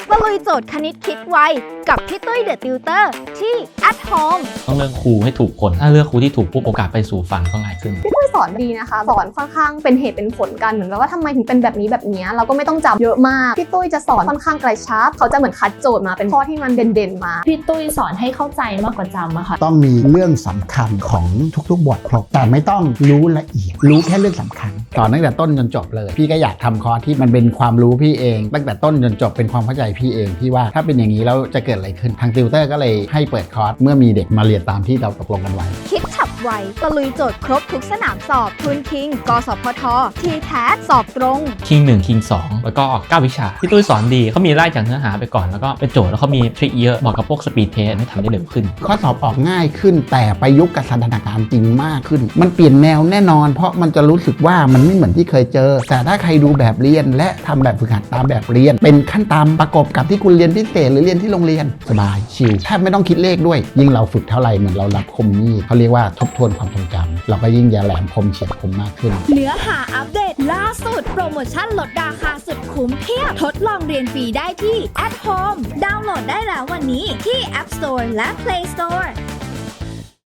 ตะลุยโจทย์คณิตคิดไวกับพี่ตุ้ยเดอะติวเตอร์ที่ at home ต้องเลือกครูให้ถูกคนถ้าเลือกครูที่ถูกปุ๊บโอกาสไปสู่ฝันก็ง่ายขึ้นพี่ตุ้ยสอนดีนะคะสอนค่อนข้างเป็นเหตุเป็นผลกันเหมือนกับว่าทำไมถึงเป็นแบบนี้เราก็ไม่ต้องจำเยอะมากพี่ตุ้ยจะสอนค่อนข้างกระชับเขาจะเหมือนคัดโจทย์มาเป็นข้อที่มันเด่นๆมาพี่ตุ้ยสอนให้เข้าใจมากกว่าจำอะค่ะต้องมีเรื่องสำคัญของทุกๆบทครบแต่ไม่ต้องรู้ละเอียดรู้แค่เรื่องสำคัญสอนตั้งแต่ต้นจนจบเลยพี่ก็อยากทำคอร์สที่มันเป็นความรู้พี่เองตั้งแต่ต้นจนจบเป็นความเข้าใจพี่เองพี่ว่าถ้าเป็นอย่างนี้แล้วจะเกิดอะไรขึ้นทางติวเตอร์ก็เลยให้เปิดคอร์สเมื่อมีเด็กมาเรียนตามที่เราตกลงกันไว้คิดฉับไวตะลุยโจทย์ครบทุกสนามสอบทุนคิงกสพททีแทสอบตรงคิง1คิง2แล้วก็9วิชาพี่ตุ้ยสอนดีเขามีไล่จากเนื้อหาไปก่อนแล้วก็เป็นโจทย์แล้วเขามีทริคเยอะบอกกับพวกสปีดเทสให้ทำได้เร็วขึ้นข้อสอบออกง่ายขึ้นแต่ประยุกต์กับสถานการณ์จริงมากขึ้นมันเปลี่ยนแนวแน่นอนเพราะมันจะรู้สึกว่ามันไม่เหมือนที่เคยเจอแต่ถ้าใครดูแบบเรียนและทำแบบฝึกหัดตามแบบเรียนเป็นขั้นตามประกบกับที่คุณเรียนพิเศษหรือเรียนที่โรงเรียนสบายชิลแทบไม่ต้องคิดเลขด้วยยิ่งเราฝึกเท่าไหร่เหมือนเรารับคมมีดเขาเรียกว่าทบทวนความทรงจำเราก็ยิ่งจะแหลมคมเฉียบคมมากขึ้นเนื้อหาอัปเดตล่าสุดโปรโมชั่นลดราคาสุดคุ้มเพียบทดลองเรียนฟรีได้ที่ at home ดาวน์โหลดได้แล้ววันนี้ที่ App Store และ Play Store